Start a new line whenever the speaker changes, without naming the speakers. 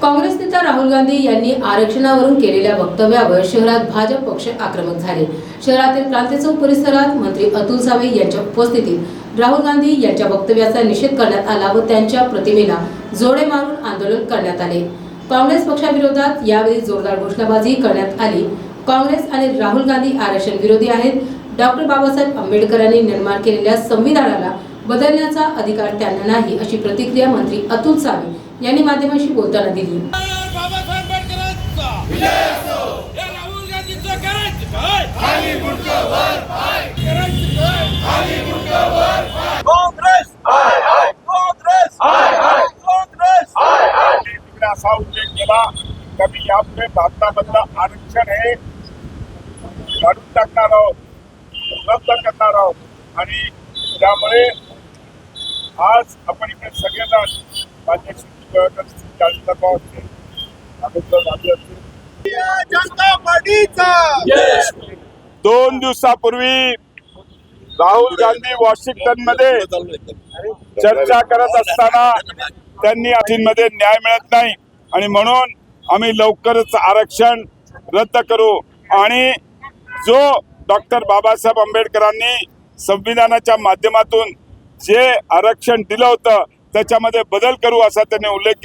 काँग्रेस नेता राहुल गांधी यांनी आरक्षणावरून केलेल्या वक्तव्यावर शहरात भाजप पक्ष आक्रमक झाले। शहरातील क्रांती चौक परिसरात मंत्री अतुल सावे यांच्या उपस्थितीत राहुल गांधी यांच्या वक्तव्याचा निषेध करण्यात आला व त्यांच्या प्रतिमेला जोडे मारून आंदोलन करण्यात आले। काँग्रेस पक्षाविरोधात यावेळी जोरदार घोषणाबाजी करण्यात आली। काँग्रेस आणि राहुल गांधी आरक्षण विरोधी आहेत। डॉक्टर बाबासाहेब आंबेडकरांनी निर्माण केलेल्या संविधानाला बदलण्याचा अधिकार त्यांना नाही, अशी प्रतिक्रिया मंत्री अतुल सावे यांनी माध्यमांशी बोलताना दिली।
असा उल्लेख केला की मी यापुढे भारतामधलं आरक्षण हे काढून टाकणार आहोत, रद्द करणार आहोत आणि त्यामुळे आज आपण इकडे सगळेजण माझ्याशी जनता पार्टीचा 2 दिवसापूर्वी राहुल गांधी वॉशिंग्टन मध्ये चर्चा करत असताना त्यांनी अटींमध्ये न्याय मिळत नाही आणि म्हणून आम्ही लवकरच आरक्षण रद्द करू आणि जो डॉक्टर बाबासाहेब आंबेडकरांनी संविधानाच्या माध्यमातून जे आरक्षण दिलं होतं त्याच्यामध्ये बदल करू असा त्यांनी उल्लेख केला।